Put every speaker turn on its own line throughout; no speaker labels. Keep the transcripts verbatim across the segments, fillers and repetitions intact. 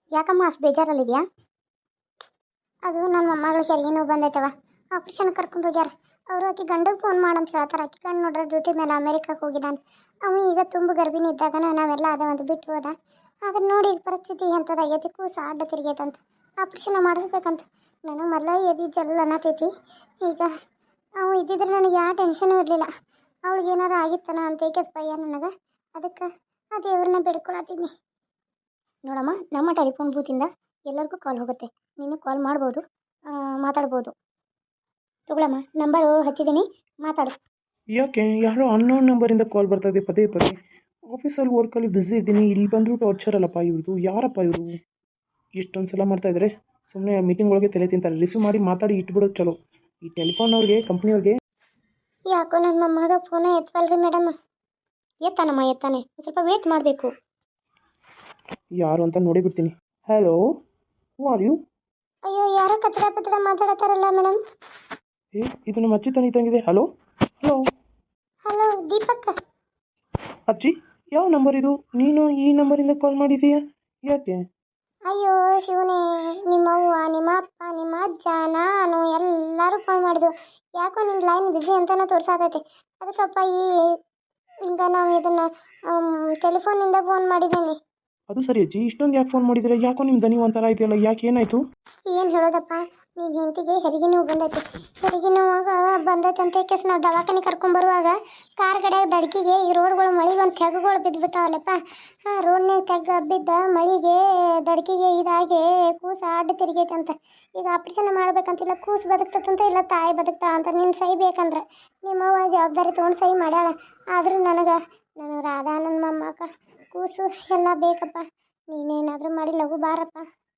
ಯಾಕಮ್ಮ ಅಷ್ಟು ಬೇಜಾರಲ್ಲಿದೆಯಾ? ಅದು ನನ್ನ ಮೊಮ್ಮಗಳಿಗೆ ಹೆರಿಗೆ ಬಂದೈತವ, ಆಪ್ರೇಷನ್ ಕರ್ಕೊಂಡು ಹೋಗ್ಯಾರ. ಅವರು ಆಕೆ ಗಂಡಗೆ ಫೋನ್ ಮಾಡಂತ ಹೇಳ್ತಾರೆ. ಆಕೆ ಗಂಡು ನೋಡ್ರೆ ಡ್ಯೂಟಿ ಮೇಲೆ ಅಮೇರಿಕಕ್ಕೆ ಹೋಗಿದ್ದಾನೆ. ಅವ ಈಗ ತುಂಬ ಗರ್ಭಿಣಿ ಇದ್ದಾಗ ನಾವೆಲ್ಲ ಅದ ಒಂದು ಬಿಟ್ಟು ಹೋದ. ಅದನ್ನ ನೋಡಿ ಪರಿಸ್ಥಿತಿ ಎಂಥದ್ದಾಗೈತಿ, ಕೂಸ ಅಡ್ಡ ತಿರುಗೈತಂತ ಆಪ್ರೇಷನ್ ಮಾಡಿಸ್ಬೇಕಂತ. ನನಗೆ ಮೊದಲ ಎದಿ ಜಲ್ಲ ಅನ್ನತೈತಿ. ಈಗ ಅವು ಇದ್ದಿದ್ರೆ ನನಗೆ ಯಾವ ಟೆನ್ಷನೂ ಇರಲಿಲ್ಲ. ಅವಳಿಗೆ ಏನಾರು ಆಗಿತ್ತನ ಅಂತ ಏಕೆ ಭಯ ನನಗೆ. ಅದಕ್ಕೆ ಆ ದೇವ್ರನ್ನ ಬೇಡ್ಕೊಳತ್ತಿದ್ನಿ. ನೋಡಮ್ಮ, ನಮ್ಮ ಟೆಲಿಫೋನ್ ಬೂತಿಂದ ಎಲ್ಲರಿಗೂ ಕಾಲ್ ಹೋಗುತ್ತೆ. ನೀನು ಕಾಲ್ ಮಾಡ್ಬೋದು, ಮಾತಾಡ್ಬೋದು. ತಗೊಳಮ್ಮ, ನಂಬರು ಹಚ್ಚಿದ್ದೀನಿ, ಮಾತಾಡು.
ಯಾಕೆ ಯಾರೋ ಅನ್ನೋನ್ ನಂಬರಿಂದ ಕಾಲ್ ಬರ್ತದೆ ಪದೇ ಪದೇ? ಆಫೀಸಲ್ಲಿ ವರ್ಕಲ್ಲಿ ಬ್ಯುಸಿ ಇದ್ದೀನಿ, ಇಲ್ಲಿ ಬಂದರೂ ಟಾರ್ಚರ್ ಅಲ್ಲಪ್ಪ ಇವ್ರದ್ದು. ಯಾರಪ್ಪ ಇವರು ಎಷ್ಟೊಂದು ಸಲ ಮಾಡ್ತಾಯಿದ್ದಾರೆ? ಸುಮ್ಮನೆ ಮೀಟಿಂಗ್ ಒಳಗೆ ತಲೆ ತಿಂತಾರೆ. ರಿಸೀವ್ ಮಾಡಿ ಮಾತಾಡಿ ಇಟ್ಬಿಡೋದು ಚಲೋ. ಈ ಟೆಲಿಫೋನವ್ರಿಗೆ, ಕಂಪ್ನಿಯವ್ರಿಗೆ.
ಯಾಕೋ ನನ್ನ ಮೊಮ್ಮಗ ಫೋನ ಎತ್ತವಲ್ರಿ ಮೇಡಮ್. ಎತ್ತಾನಮ್ಮ, ಎತ್ತಾನೆ, ಸ್ವಲ್ಪ ವೇಟ್ ಮಾಡಬೇಕು.
ಯಾರು ಅಂತ ನೋಡಿ ಬಿಡ್ತೀನಿ. Hello, who are you?
ಅಯ್ಯೋ, ಯಾರೋ ಕಚಡ ಪಚಡ ಮಾತಾಡತ್ತಾರಲ್ಲ ಮೇಡಮ್.
ಏ, ಇದು ನಮ್ಮ ಅಜ್ಜಿ ತಾನೇ ಇದ್ದಂಗಿದೆ. Hello hello
hello, Deepak.
ಅಜ್ಜಿ, ಯಾವ ನಂಬರ್ ಇದು? ನೀನು ಈ ನಂಬರಿಂದ ಕಾಲ್ ಮಾಡಿದೀಯಾ? ಯಾಕೆ?
ಅಯ್ಯೋ ಶಿವನೇ, ನಿಮ್ಮವ್ವ, ನಿಮ್ಮ ಅಪ್ಪ, ನಿಮ್ಮ ಅಜ್ಜ, ನಾನು ಎಲ್ಲರೂ ಕಾಲ್ ಮಾಡಿದ್ವು. ಯಾಕೋ ನಿನ್ನ ಲೈನ್ ಬ್ಯುಸಿ ಅಂತಲೇ ತೋರಿಸಾತೈತಿ. ಅದಕ್ಕಪ್ಪ ಈ ಈಗ ನಾವು ಇದನ್ನು ಟೆಲಿಫೋನಿಂದ ಫೋನ್ ಮಾಡಿದ್ದೀನಿ.
ಅದು ಸರಿ ಅಜ್ಜಿ, ಇಷ್ಟೊಂದು ಯಾಕೆ ಫೋನ್ ಮಾಡಿದ್ರೆ? ಯಾಕೋ ನಿಮ್ಮ ದನಿ ಒಂಥರ ಇದೆಯಲ್ಲ, ಯಾಕೆ, ಏನಾಯಿತು?
ಏನು ಹೇಳೋದಪ್ಪ, ನೀನು ಹೆಂಡತಿಗೆ ಹೆರಿಗೆ ನೋವು ಬಂದೈತಿ. ಹೆರಿಗೆ ನೋವಾಗ ಬಂದೈತೆ ಅಂತ ಕೇಸ್ ನಾವು ದವಾಖಾನೆ ಕರ್ಕೊಂಬರುವಾಗ ಕಾರ್ ಗಡೆ ದಡ್ಕಿಗೆ ಈ ರೋಡ್ಗಳು ಮಳೆಗೆ ಒಂದು ತೆಗ್ಗುಗಳು ಬಿದ್ದುಬಿಟ್ಟಾವಲ್ಲಪ್ಪ. ಹಾಂ, ರೋಡ್ನಾಗ ತೆಗ್ಗ ಬಿದ್ದ ಮಳೆಗೆ ದಡ್ಕಿಗೆ ಇದಾಗಿ ಕೂಸು ಅಡ್ಡ ತಿರುಗೈತೆ ಅಂತ. ಈಗ ಆಪ್ರೇಷನ್ ಮಾಡ್ಬೇಕಂತಿಲ್ಲ, ಕೂಸು ಬದುಕ್ತಂತ ಇಲ್ಲ ತಾಯಿ ಬದುಕ್ತಾ ಅಂತ. ನೀನು ಸಹಿ ಬೇಕಂದ್ರೆ ನಿಮ್ಮವ್ವ ಜವಾಬ್ದಾರಿ ತೊಗೊಂಡು ಸಹಿ ಮಾಡ್ಯಾಳ. ಆದರೂ ನನಗೆ ನನಗೆ ರಾಧಾ ನನ್ನ ಮೊಮ್ಮಕ್ಕ ಕೂಸು ಎಲ್ಲ ಬೇಕಪ್ಪ. ನೀನೇನಾದರೂ ಮಾಡಿ ಲಘು ಬಾರಪ್ಪ.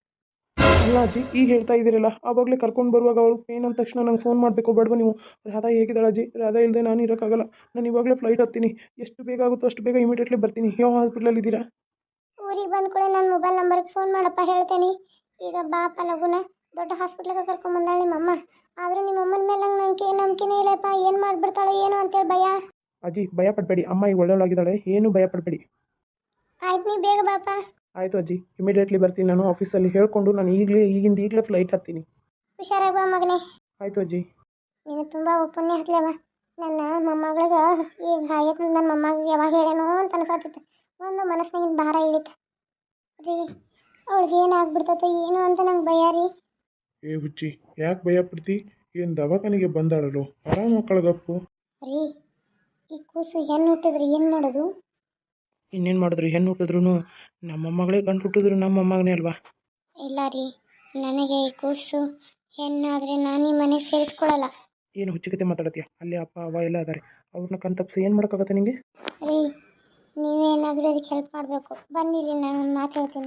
ಅಲ್ಲ ಅಜ್ಜಿ, ಈಗ ಹೇಳ್ತಾ ಇದ್ದೀರಲ್ಲ, ಆವಾಗಲೇ ಕರ್ಕೊಂಡು ಬರುವಾಗ ಅವಳು ಪೇನ್ ಅಂದ ತಕ್ಷಣ ನಂಗೆ ಫೋನ್ ಮಾಡಬೇಕು ಬೇಡವಾ ನೀವು? ರಾಧಾ ಹೇಗಿದ್ದಾಳೆ ಅಜ್ಜಿ? ರಾಧಾ ಇಲ್ಲದೆ ನಾನು ಇರೋಕ್ಕಾಗಲ್ಲ. ನಾನು ಇವಾಗಲೇ ಫ್ಲೈಟ್ ಹತ್ತೀನಿ. ಎಷ್ಟು ಬೇಗ ಆಗುತ್ತೋ ಅಷ್ಟು ಬೇಗ ಇಮಿಡಿಯೇಟ್ಲಿ ಬರ್ತೀನಿ. ಯಾವ ಹಾಸ್ಪಿಟ್ಲಲ್ಲಿ ಇದ್ದೀರಾ?
ಊರಿಗೆ ಬಂದ ಕೂಡ ನನ್ನ ಮೊಬೈಲ್ ನಂಬರ್ಗೆ ಫೋನ್ ಮಾಡಪ್ಪ, ಹೇಳ್ತೇನೆ. ಈಗ ಬಾಪ ಲಗುನ ದೊಡ್ಡ ಹಾಸ್ಪಿಟ್ಲಿಗೆ ಕರ್ಕೊಂಬಂದಾಳೆ ನಿಮ್ಮಮ್ಮ. ಆದರೂ ನಿಮ್ಮಮ್ಮನ ಮೇಲೆ ನಂಗೆ ನಂಬಿಕೆ ನಂಬಿಕೆನೇ ಇಲ್ಲಪ್ಪ. ಏನು ಮಾಡಿಬಿಡ್ತಾಳೆ ಏನು ಅಂತೇಳಿ ಭಯ.
ಅಜ್ಜಿ, ಭಯ ಪಡಬೇಡಿ. ಅಮ್ಮ ಈಗ ಒಳ್ಳೆಯವಳಾಗಿದ್ದಾಳೆ, ಏನು ಭಯ ಪಡಬೇಡಿ.
ಆಯ್ತು, ನೀ ಬೇಗ ಬಾಪ.
ಆಯಿತು ಅಜ್ಜಿ, ಇಮಿಡಿಯೇಟ್ಲಿ ಬರ್ತೀನಿ. ನಾನು ಆಫೀಸಲ್ಲಿ ಹೇಳ್ಕೊಂಡು ನಾನು ಈಗಲೇ ಈಗಿಂದ ಈಗಲೇ ಫ್ಲೈಟ್ ಹತ್ತೀನಿ.
ಹುಷಾರಾಗಿ ಬಾ ಮಗನೇ.
ಆಯಿತು ಅಜ್ಜಿ.
ನೀನು ತುಂಬ ಪುಣ್ಯ ಹತ್ಲೇವ. ನನ್ನ ಮೊಮ್ಮಗಳಿಗೆ ಈಗ ಹಾಗೈತೆ. ನನ್ನ ಮೊಮ್ಮಗಳಿಗೆ ಯಾವಾಗ ಹೇಳೇನೋ ಅಂತ ಅನ್ಸಾತಿತ್ತು. ಒಂದು ಮನಸ್ಸಿನಾಗಿನ ಭಾರ ಇಳಿತು ರೀ. ಅವಳಿಗೆ ಏನಾಗ್ಬಿಡ್ತೈತೆ ಏನು ಅಂತ ನಂಗೆ ಭಯ ರೀ.
ಏ ಹುಚ್ಚಿ, ಯಾಕೆ ಭಯ ಪಡ್ತಿ? ಏನು ದವಾಖಾನೆಗೆ ಬಂದಾಳಲು, ಆರಾಮ ಮಕ್ಕಳಗಪ್ಪು
ರೀ. ಈ ಕೂಸು ಹೆಣ್ಣು ಹುಟ್ಟಿದ್ರೆ ಏನು ಮಾಡೋದು?
ಇನ್ನೇನು ಮಾಡಿದ್ರು? ಹೆಣ್ಣು ಹುಟ್ಟಿದ್ರು ನಮ್ಮ ಮೊಮ್ಮಗಳೇ, ಗಂಡು ಹುಟ್ಟಿದ್ರು ನಮ್ಮ ಮೊಮ್ಮಗನೇ ಅಲ್ವಾ?
ಇಲ್ಲ ರೀ, ನನಗೆ ಈ ಕೂಸು ಹೆಣ್ಣಾದರೆ ನಾನು ಈ ಮನೆಗೆ ಸೇರಿಸ್ಕೊಳ್ಳಲ್ಲ.
ಏನು ಹುಚ್ಚುಕತೆ ಮಾತಾಡತ್ತೀಯ? ಅಲ್ಲಿ ಅಪ್ಪ ಅವ್ವ ಎಲ್ಲ ಅದಾರೆ, ಅವ್ರನ್ನ ಕಣ್ ತಪ್ಪಿಸಿ ಏನು ಮಾಡೋಕ್ಕಾಗತ್ತೆ ನಿಮಗೆ?
ರೀ, ನೀವೇನಾದರೂ ಅದಕ್ಕೆ ಹೆಲ್ಪ್ ಮಾಡಬೇಕು. ಬನ್ನಿ ರೀ, ನಾನು ಒಂದು ಮಾತು ಹೇಳ್ತೀನಿ.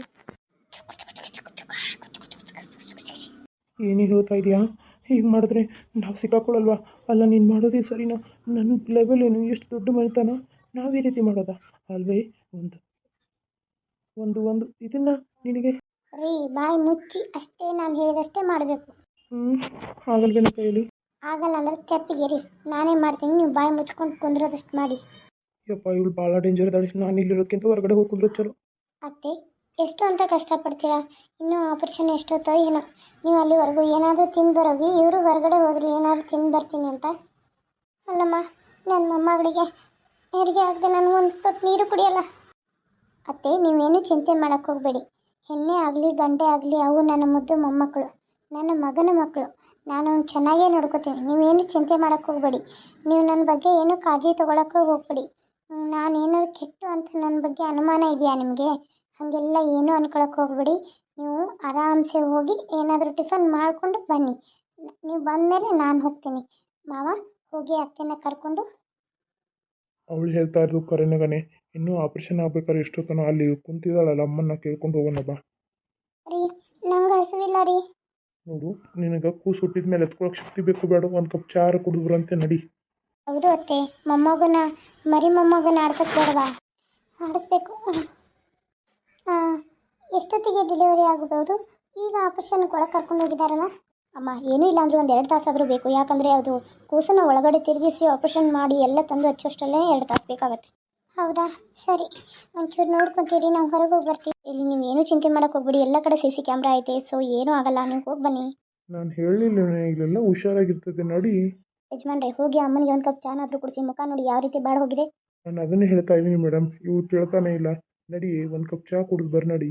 ಏನು ಹೇಳ್ತಾ ಇದೆಯಾ? ಹೀಗೆ ಮಾಡಿದ್ರೆ ನಾವು ಸಿಕ್ಕಾಕೊಳ್ಳಲ್ವಾ? ಅಲ್ಲ, ನೀನು ಮಾಡೋದೇ ಸರಿನಾ? ನನ್ನ ಲೆವೆಲ್ ಏನು? ಎಷ್ಟು ದೊಡ್ಡ ಮನೆತನ, ನಾವು ಈ ರೀತಿ ಮಾಡೋದಾ ಅಲ್ವೇ? ಒಂದು ಒಂದು ಒಂದು ಇದನ್ನು ನಿನಗೆ
ರೀ, ಬಾಯಿ ಮುಚ್ಚಿ ಅಷ್ಟೇ, ನಾನು ಹೇಳಿದಷ್ಟೇ ಮಾಡಬೇಕು.
ಹ್ಞೂ ಆಗಲ್ವೇನ ಕೈಯಲ್ಲಿ?
ಆಗಲ್ಲ ಅಂದ್ರೆ ತೆಪ್ಪಿಗೆ ರೀ, ನಾನೇ ಮಾಡ್ತೀನಿ. ನೀವು ಬಾಯಿ ಮುಚ್ಕೊಂಡು ಕುಂದ್ರೋದಷ್ಟು ಮಾಡಿ.
ಯಪ್ಪ, ಇವಳು ಭಾಳ ಡೇಂಜರ್ ಇದ್ದಾಳೆ. ನಾನು ಇಲ್ಲಿರೋಕ್ಕಿಂತ ಹೊರಗಡೆ ಹೋಗಿ ಕುಂದ್ರೆ ಚಲೋ.
ಅತ್ತೆ, ಎಷ್ಟು ಅಂತ ಕಷ್ಟಪಡ್ತೀರಾ? ಇನ್ನೂ ಆಪರೇಷನ್ ಎಷ್ಟೊತ್ತೋ ಏನೋ. ನೀವು ಅಲ್ಲಿವರೆಗೂ ಏನಾದರೂ ತಿಂದು ಬರೋಗಿ, ಇವರು ಹೊರಗಡೆ ಹೋದ್ರು ಏನಾದರೂ ತಿಂದು ಬರ್ತೀನಿ ಅಂತ. ಅಲ್ಲಮ್ಮ, ನನ್ನ ಮೊಮ್ಮಗಳಿಗೆ ಹೆರಿಗೆ ಆಗದೆ ನಾನು ಒಂದು ತೊಟ್ಟು ನೀರು ಕುಡಿಯಲ್ಲ. ಅತ್ತೆ, ನೀವೇನು ಚಿಂತೆ ಮಾಡೋಕ್ಕೆ ಹೋಗಬೇಡಿ. ಹೆಣ್ಣೆ ಆಗಲಿ ಗಂಡೆ ಆಗಲಿ ಅವು ನನ್ನ ಮುದ್ದು ಮೊಮ್ಮಕ್ಕಳು, ನನ್ನ ಮಗನ ಮಕ್ಕಳು. ನಾನು ಅವ್ನು ಚೆನ್ನಾಗೇ ನೋಡ್ಕೋತೀನಿ. ನೀವೇನು ಚಿಂತೆ ಮಾಡೋಕ್ಕೆ ಹೋಗಬೇಡಿ. ನೀವು ನನ್ನ ಬಗ್ಗೆ ಏನೂ ಕಾಳಜಿ ತೊಗೊಳಕ್ಕೆ ಹೋಗಬೇಡಿ. ನಾನೇನಾದ್ರು ಕೆಟ್ಟು ಅಂತ ನನ್ನ ಬಗ್ಗೆ ಅನುಮಾನ ಇದೆಯಾ ನಿಮಗೆ? ಹಾಗೆಲ್ಲ ಏನೂ ಅನ್ಕೊಳಕ್ಕೆ ಹೋಗಬೇಡಿ. ನೀವು ಆರಾಮ್ಸೆ ಹೋಗಿ ಏನಾದರೂ ಟಿಫನ್ ಮಾಡಿಕೊಂಡು ಬನ್ನಿ. ನೀವು ಬಂದಮೇಲೆ ನಾನು ಹೋಗ್ತೀನಿ. ಮಾವ, ಹೋಗಿ ಅತ್ತೆನ ಕರ್ಕೊಂಡು.
ಅವಳು ಹೇಳ್ತಾ ಇರೋದು ಕರೆನಗನೆ. ಇನ್ನೂ ಆಪ್ರೇಷನ್ ಆಗ್ಬೇಕಾದ್ರೆ ಎಷ್ಟೊತ್ತನೋ ಅಲ್ಲಿ ಕುಂತಿದ್ದಾಳಲ್ಲ, ಅಮ್ಮನ್ನ ಕೇಳ್ಕೊಂಡು ಹೋಗೋಣ ಬಾ.
ರೀ, ನಂಗೆ ಹಸುವಿಲ್ಲ ರೀ.
ನೋಡು, ನಿನಗೆ ಕೂಸು ಹುಟ್ಟಿದ ಮೇಲೆ ಎತ್ಕೊಳಕ್ಕೆ ಶಕ್ತಿ ಬೇಕು ಬೇಡ? ಒಂದು ಕಪ್ ಚಾರು ಕುಡಿದ್ರಂತೆ ನಡಿ.
ಹೌದು ಅತ್ತೆ, ಮೊಮ್ಮಗನ ಮರಿ ಮೊಮ್ಮಗನ ಆಡ್ಸಕ್ಕೆ ಬೇಡವಾ? ಆಡಿಸ್ಬೇಕು. ಹಾಂ, ಎಷ್ಟೊತ್ತಿಗೆ ಡೆಲಿವರಿ ಆಗ್ಬೋದು? ಈಗ ಆಪರೇಷನ್ಗೆ ಒಳಗೆ ಕರ್ಕೊಂಡು ಹೋಗಿದ್ದಾರಲ್ಲ ಅಮ್ಮ. ಏನೂ ಇಲ್ಲ ಅಂದರೆ ಒಂದು ಎರಡು ತಾಸಾದರೂ ಬೇಕು. ಯಾಕಂದರೆ ಅದು ಕೂಸನ್ನು ಒಳಗಡೆ ತಿರುಗಿಸಿ ಆಪ್ರೇಷನ್ ಮಾಡಿ ಎಲ್ಲ ತಂದು ಹಚ್ಚೋಷ್ಟಲ್ಲೇ ಎರಡು ತಾಸು ಬೇಕಾಗತ್ತೆ. ಹೌದಾ ಸರಿ, ಒಂಚೂರು ನೋಡ್ಕೊತೀರಿ, ನಾವು ಹೊರಗೆ ಹೋಗಿ ಬರ್ತೀವಿ. ಇಲ್ಲಿ ನೀವು ಏನೂ ಚಿಂತೆ ಮಾಡೋಕೆ ಹೋಗ್ಬಿಡಿ, ಎಲ್ಲ ಕಡೆ ಸಿ ಸಿ ಕ್ಯಾಮ್ರಾ ಐತೆ, ಸೊ ಏನೂ ಆಗಲ್ಲ, ನೀವು ಹೋಗಿ ಬನ್ನಿ.
ನಾನು ಹೇಳಲಿಲ್ಲ ಇಲ್ಲೆಲ್ಲ ಹುಷಾರಾಗಿರ್ತದೆ ನೋಡಿ.
ಯಜಮಾನ್ರೆ ಹೋಗಿ ಅಮ್ಮನಿಗೆ ಒಂದು ಕಪ್ ಚಾನಾದರೂ ಕುಡಿಸಿ, ಮುಖ ನೋಡಿ ಯಾವ ರೀತಿ ಬಾಡ್ ಹೋಗಿದೆ.
ನಾನು ಅದನ್ನೇ ಹೇಳ್ತಾ ಇದ್ದೀನಿ ಮೇಡಮ್, ಇವ್ರು ಕೇಳ್ತಾನೆ ಇಲ್ಲ. ನಡಿ ಒಂದು ಕಪ್ ಚಹಾ ಕುಡಿದು ಬರ್ ನಡಿ.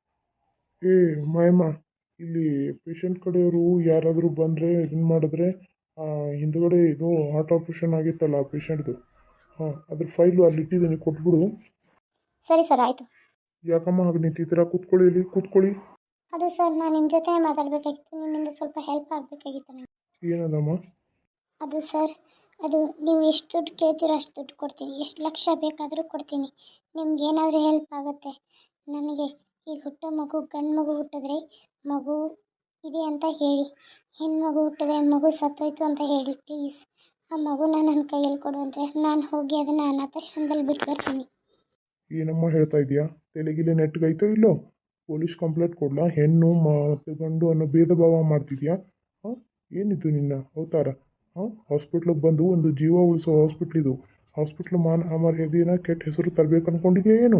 ಏ ಮಾಯಮ್ಮ, ಇಲ್ಲಿ ಪೇಷಂಟ್ ಕಡೆಯವರು ಯಾರಾದರೂ ಬಂದರೆ ಇದನ್ನು ಮಾಡಿದ್ರೆ ಹಿಂದುಗಡೆ ಇದು ಹಾರ್ಟ್ ಆಪ್ರೇಷನ್ ಆಗಿತ್ತಲ್ಲ ಪೇಷಂಟ್ದು, ಹಾಂ ಅದ್ರ ಫೈಲು ಅಲ್ಲಿ ಇಟ್ಟಿದ್ದೀನಿ, ಕೊಟ್ಬಿಡು.
ಸರಿ ಸರ್, ಆಯಿತು.
ಯಾಕಮ್ಮ ಹಾಗೆ ನಿಂತಿದ್ದೀರಾ? ಕೂತ್ಕೊಳ್ಳಿ, ಇಲ್ಲಿ ಕೂತ್ಕೊಳ್ಳಿ.
ಅದು ಸರ್, ನಾನು ನಿಮ್ಮ ಜೊತೆ ಮಾತಾಡಬೇಕಾಗಿತ್ತು, ನಿಮ್ಮಿಂದ ಸ್ವಲ್ಪ ಹೆಲ್ಪ್ ಆಗಬೇಕಾಗಿತ್ತು ನನಗೆ.
ಏನದಮ್ಮ?
ಅದು ಸರ್, ಅದು ನೀವು ಎಷ್ಟು ದುಡ್ಡು ಕೇಳ್ತೀರೋ ಅಷ್ಟು ದುಡ್ಡು ಕೊಡ್ತೀನಿ, ಎಷ್ಟು ಲಕ್ಷ ಬೇಕಾದರೂ ಕೊಡ್ತೀನಿ, ನಿಮ್ಗೆ ಏನಾದರೂ ಹೆಲ್ಪ್ ಆಗುತ್ತೆ. ನನಗೆ ಈಗ ಹುಟ್ಟೋ ಮಗು ಗಂಡು ಮಗು ಹುಟ್ಟಿದ್ರೆ ಮಗು ಇದೆ ಅಂತ ಹೇಳಿ, ಹೆಣ್ಮಗು ಹುಟ್ಟಿದ್ರೆ ಮಗು ಸತ್ತೋಯ್ತು ಅಂತ ಹೇಳಿ, ಪ್ಲೀಸ್ ಆ ಮಗುನ ನನ್ನ ಕೈಯಲ್ಲಿ ಕೊಡು ಅಂದರೆ ನಾನು ಹೋಗಿ ಅದನ್ನು ಅನಾಥಾಶ್ರಮದಲ್ಲಿ ಬಿಟ್ಟು ಬರ್ತೀನಿ.
ಏನಮ್ಮ ಹೇಳ್ತಾ ಇದೆಯಾ? ತಲೆಗಿಲೆ ನೆಟ್ಗೈತೋ ಇಲ್ಲೋ? ಪೊಲೀಸ್ ಕಂಪ್ಲೇಂಟ್ ಕೊಡಲಾ? ಹೆಣ್ಣು ಮತ್ತು ಗಂಡು ಅನ್ನೋ ಭೇದ ಭಾವ ಮಾಡ್ತಿದ್ಯಾ? ಹಾಂ, ಏನಿದು ನಿನ್ನ ಅವತಾರ? ಹಾಂ, ಹಾಸ್ಪಿಟ್ಲಿಗೆ ಬಂದು ಒಂದು ಜೀವ ಉಳಿಸೋ ಹಾಸ್ಪಿಟ್ಲಿದು, ಹಾಸ್ಪಿಟ್ಲ್ ಮಾನ ಮರ್ಯಾದೆನ ಕೆಟ್ಟ ಹೆಸರು ತರಬೇಕು ಅಂದ್ಕೊಂಡಿದ್ಯಾ ಏನು?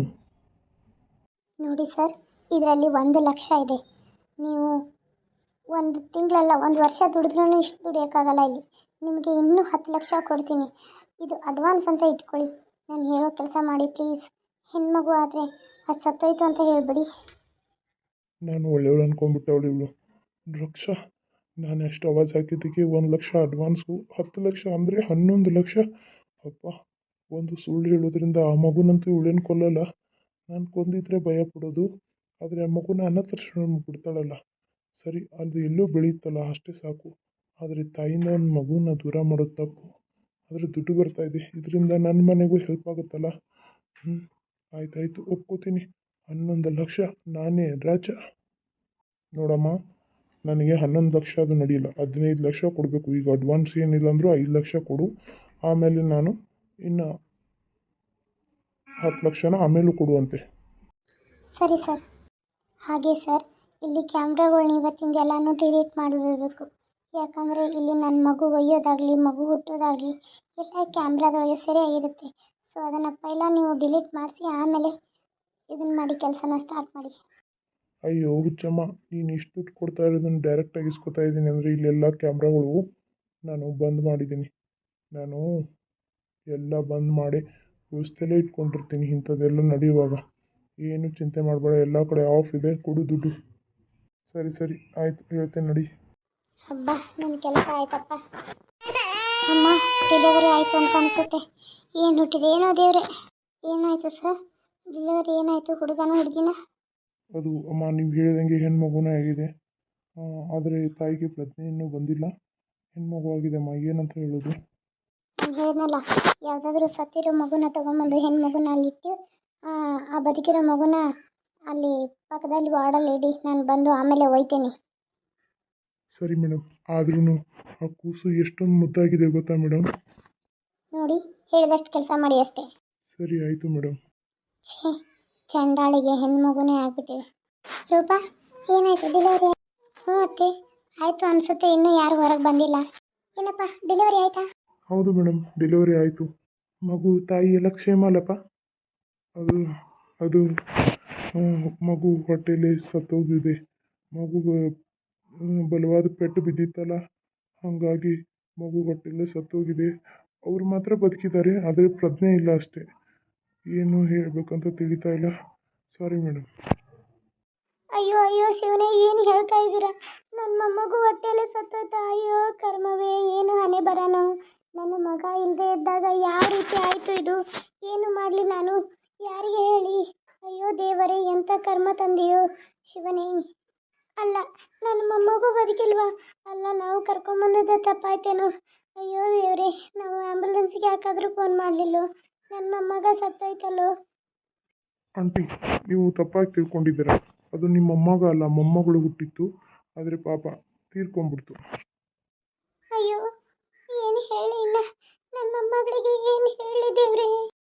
ನೋಡಿ ಸರ್, ಇದರಲ್ಲಿ ಒಂದು ಲಕ್ಷ ಇದೆ, ನೀವು ಒಂದು ತಿಂಗಳಲ್ಲ ಒಂದು ವರ್ಷ ದುಡಿದ್ರೂ ಇಷ್ಟು ದುಡಿಯೋಕ್ಕಾಗಲ್ಲ ಇಲ್ಲಿ. ನಿಮಗೆ ಇನ್ನೂ ಹತ್ತು ಲಕ್ಷ ಕೊಡ್ತೀನಿ, ಇದು ಅಡ್ವಾನ್ಸ್ ಅಂತ ಇಟ್ಕೊಳ್ಳಿ. ನಾನು ಹೇಳೋ ಕೆಲಸ ಮಾಡಿ ಪ್ಲೀಸ್. ಹೆಣ್ಮಗು ಆದರೆ ಅದು ಸತ್ತೋಯ್ತು ಅಂತ ಹೇಳಿಬಿಡಿ.
ನಾನು ಒಳ್ಳೆಯವಳು ಅನ್ಕೊಂಡ್ಬಿಟ್ಟೆ ಅವಳು ಇವಳು. ಲಕ್ಷ? ನಾನು ಎಷ್ಟು ಅವಾಜ್ ಹಾಕಿದ್ದಕ್ಕೆ ಒಂದು ಲಕ್ಷ ಅಡ್ವಾನ್ಸು, ಹತ್ತು ಲಕ್ಷ ಅಂದರೆ ಹನ್ನೊಂದು ಲಕ್ಷ. ಅಪ್ಪ, ಒಂದು ಸುಳ್ಳು ಹೇಳೋದ್ರಿಂದ ಆ ಮಗುನಂತೂ ಇವಳೇನು ಕೊಲ್ಲಲ್ಲ. ನಾನು ಕೊಂದಿದ್ರೆ ಭಯ ಪಡೋದು, ಆದರೆ ಆ ಮಗುನ ಅನಾಥಾಶ್ರಮ ಬಿಡ್ತಾಳಲ್ಲ, ಸರಿ ಅದು ಎಲ್ಲೋ ಬೆಳೆಯುತ್ತಲ್ಲ ಅಷ್ಟೇ ಸಾಕು. ಆದರೆ ತಾಯಿಯಿಂದ ಒಂದು ಮಗುನ ದೂರ ಮಾಡೋದು ತಪ್ಪು. ಆದರೆ ದುಡ್ಡು ಬರ್ತಾಯಿದೆ, ಇದರಿಂದ ನನ್ನ ಮನೆಗೂ ಹೆಲ್ಪ್ ಆಗುತ್ತಲ್ಲ. ಹ್ಞೂ, ಆಯ್ತಾಯ್ತು, ಒಪ್ಕೋತೀನಿ. ಹನ್ನೊಂದು ಲಕ್ಷ, ನಾನೇ ರಾಜ. ನೋಡಮ್ಮ, ನನಗೆ ಹನ್ನೊಂದು ಲಕ್ಷ ಅದು ನಡೆಯಿಲ್ಲ, ಹದಿನೈದು ಲಕ್ಷ ಕೊಡಬೇಕು. ಈಗ ಅಡ್ವಾನ್ಸ್ ಏನಿಲ್ಲ ಅಂದರೂ ಐದು ಲಕ್ಷ ಕೊಡು, ಆಮೇಲೆ ನಾನು ಇನ್ನು ಹತ್ತು ಲಕ್ಷನ ಆಮೇಲೂ ಕೊಡುವಂತೆ.
ಸರಿ ಸರ್. ಹಾಗೆ ಸರ್, ಇಲ್ಲಿ ಕ್ಯಾಮ್ರಾಗಳ್ನ ಇವತ್ತಿಂದ ಎಲ್ಲನೂ ಡಿಲೀಟ್ ಮಾಡಿಬಿಡಬೇಕು. ಯಾಕಂದರೆ ಇಲ್ಲಿ ನನ್ನ ಮಗು ಒಯ್ಯೋದಾಗಲಿ ಮಗು ಹುಟ್ಟೋದಾಗಲಿ ಎಲ್ಲ ಕ್ಯಾಮ್ರಾದೊಳಗೆ ಸರಿಯಾಗಿರುತ್ತೆ. ಸೊ ಅದನ್ನು ಪೈಲ ನೀವು ಡಿಲೀಟ್ ಮಾಡಿಸಿ ಆಮೇಲೆ ಇದನ್ನು ಮಾಡಿ ಕೆಲಸನ ಸ್ಟಾರ್ಟ್ ಮಾಡಿ.
ಅಯ್ಯೋ ಹುಚ್ಚಮ್ಮ, ನೀನು ಇಷ್ಟು ದುಡ್ಡು ಕೊಡ್ತಾ ಇರೋದನ್ನು ಡೈರೆಕ್ಟಾಗಿ ಇಸ್ಕೊತಾ ಇದ್ದೀನಿ ಅಂದರೆ ಇಲ್ಲೆಲ್ಲ ಕ್ಯಾಮ್ರಾಗಳು ನಾನು ಬಂದ್ ಮಾಡಿದ್ದೀನಿ. ನಾನು ಎಲ್ಲ ಬಂದ್ ಮಾಡಿ ವ್ಯವಸ್ಥೆಯಲ್ಲೇ ಇಟ್ಕೊಂಡಿರ್ತೀನಿ ಇಂಥದ್ದೆಲ್ಲ ನಡೆಯುವಾಗ. ಏನು ಚಿಂತೆ ಮಾಡಬೇಡ, ಎಲ್ಲ ಕಡೆ ಆಫ್ ಇದೆ, ಕೊಡು ದುಡ್ಡು. ಸರಿ ಸರಿ ಆಯಿತು, ಹೇಳ್ತೇನೆ ನಡಿ.
ಹಬ್ಬ, ನನ್ನ ಕೆಲಸ ಆಯ್ತಪ್ಪ. ಅಮ್ಮ, ಡೆಲಿವರಿ ಆಯಿತು ಅಂತ ಅನಿಸುತ್ತೆ. ಏನು ಹುಟ್ಟಿದೆ ಏನೋ ದೇವ್ರೆ. ಏನಾಯಿತು ಸರ್? ಡೆಲಿವರಿ ಏನಾಯಿತು? ಹುಡುಗನ ಹುಡುಗಿನ?
ಅದು ಅಮ್ಮ, ನೀವು ಹೇಳಿದಂಗೆ ಹೆಣ್ಮಗುನೇ ಆಗಿದೆ, ಆದರೆ ತಾಯಿಗೆ ಪ್ರಜ್ಞೆ ಇನ್ನೂ ಬಂದಿಲ್ಲ. ಹೆಣ್ಮಗು ಆಗಿದೆ ಅಮ್ಮ, ಏನಂತ ಹೇಳೋದು?
ನಾನು ಹೇಳಿದ್ನಲ್ಲ, ಯಾವುದಾದ್ರೂ ಸತ್ತಿರೋ ಮಗುನ ತೊಗೊಂಬಂದು ಹೆಣ್ಣು ಮಗುನ ಅಲ್ಲಿಟ್ಟು ಆ ಬದುಕಿರೋ ಮಗುನ ಅಲ್ಲಿ ಪಕ್ಕದಲ್ಲಿ ವಾರ್ಡಲ್ಲಿ ಇಡಿ, ನಾನು ಬಂದು ಆಮೇಲೆ ಒಯ್ತೀನಿ.
ಸರಿ ಮೇಡಮ್, ಆದ್ರೂ ಆ ಕೂಸು ಎಷ್ಟೊಂದು ಮುದ್ದಾಗಿದೆ ಗೊತ್ತಾ ಮೇಡಮ್?
ನೋಡಿ, ಹೇಳಿದಷ್ಟು ಕೆಲಸ ಮಾಡಿ ಅಷ್ಟೇ.
ಸರಿ ಆಯಿತು ಮೇಡಮ್.
ಛೇ, ಚಂಡಾಳಿಗೆ ಹೆಣ್ಣು ಮಗುನೇ ಆಗ್ಬಿಟ್ಟಿದೆ. ರೂಪಾ, ಏನಾಯಿತು? ಡೆಲಿವರಿ? ಹ್ಞೂ ಅತ್ತೆ, ಆಯಿತು ಅನಿಸುತ್ತೆ, ಇನ್ನೂ ಯಾರು ಹೊರಗೆ ಬಂದಿಲ್ಲ. ಏನಪ್ಪ, ಡೆಲಿವರಿ ಆಯಿತಾ?
ಹೌದು ಮೇಡಮ್, ಡೆಲಿವರಿ ಆಯಿತು. ಮಗು ತಾಯಿ ಎಲ್ಲ ಕ್ಷೇಮ ಅಲ್ಲಪ್ಪ? ಅದು ಅದು ಮಗು ಹೊಟ್ಟೆಯಲ್ಲಿ ಸತ್ತೋಗಿದೆ. ಮಗುಗೆ ಬಲವಾದ ಪೆಟ್ಟು ಬಿದ್ದಿತ್ತಲ್ಲ, ಹಾಗಾಗಿ ಮಗು ಹೊಟ್ಟೆಯಲ್ಲೇ ಸತ್ತೋಗಿದೆ. ಅವರು ಮಾತ್ರ ಬದುಕಿದ್ದಾರೆ, ಆದರೆ ಪ್ರಜ್ಞೆ ಇಲ್ಲ ಅಷ್ಟೇ. ಏನು ಹೇಳಬೇಕಂತ ತಿಳಿತಾ ಇಲ್ಲ. Sorry madam.
ಅಯ್ಯೋ ಅಯ್ಯೋ ಶಿವನೇ, ಏನು ಹೇಳ್ತಾ ಇದ್ದೀರಾ? ನನ್ನ ಮೊಮ್ಮಗು ಹೊಟ್ಟೆಯಲ್ಲಿ ಸತ್ತೋಯ್ತಾ? ಅಯ್ಯೋ ಕರ್ಮವೇ, ಏನು ಹಣೆ ಬರೋಣ. ನನ್ನ ಮಗ ಇಲ್ಲದೆ ಇದ್ದಾಗ ಯಾವ ರೀತಿ ಆಯಿತು ಇದು? ಏನು ಮಾಡಲಿ ನಾನು? ಯಾರಿಗೆ ಹೇಳಿ? ಅಯ್ಯೋ ದೇವರೇ, ಎಂಥ ಕರ್ಮ ತಂದೆಯೋ ಶಿವನೇ. ಅಲ್ಲ, ನನ್ನ ಮೊಮ್ಮಗು ಬದುಕಿಲ್ವಾ? ಅಲ್ಲ, ನಾವು ಕರ್ಕೊಂಬಂದದ್ದು ತಪ್ಪಾಯ್ತೇನೋ? ಅಯ್ಯೋ ದೇವರೇ, ನಾವು ಆ್ಯಂಬುಲೆನ್ಸ್ಗೆ ಯಾಕಾದರೂ ಫೋನ್ ಮಾಡಲಿಲ್ಲೋ? ನನ್ನ ಮೊಮ್ಮಗ ಸತ್ತೋಯ್ತಲ್ಲೋ?
ಆಂಟಿ, ನೀವು ತಪ್ಪಾಗಿ ತಿಳ್ಕೊಂಡಿದ್ದೀರಾ. ಅದು ನಿಮ್ಮ ಮೊಮ್ಮಗ ಅಲ್ಲ, ಮೊಮ್ಮಗಳು ಹುಟ್ಟಿತ್ತು, ಆದರೆ ಪಾಪ ತೀರ್ಕೊಂಡ್ಬಿಡ್ತು.
ಅಯ್ಯೋ, ಏನು ಹೇಳಿ ಇನ್ನ? ನನ್ನ ಮೊಮ್ಮಗಳಿಗೆ ಏನು ಹೇಳಿ ದೇವ್ರೇ?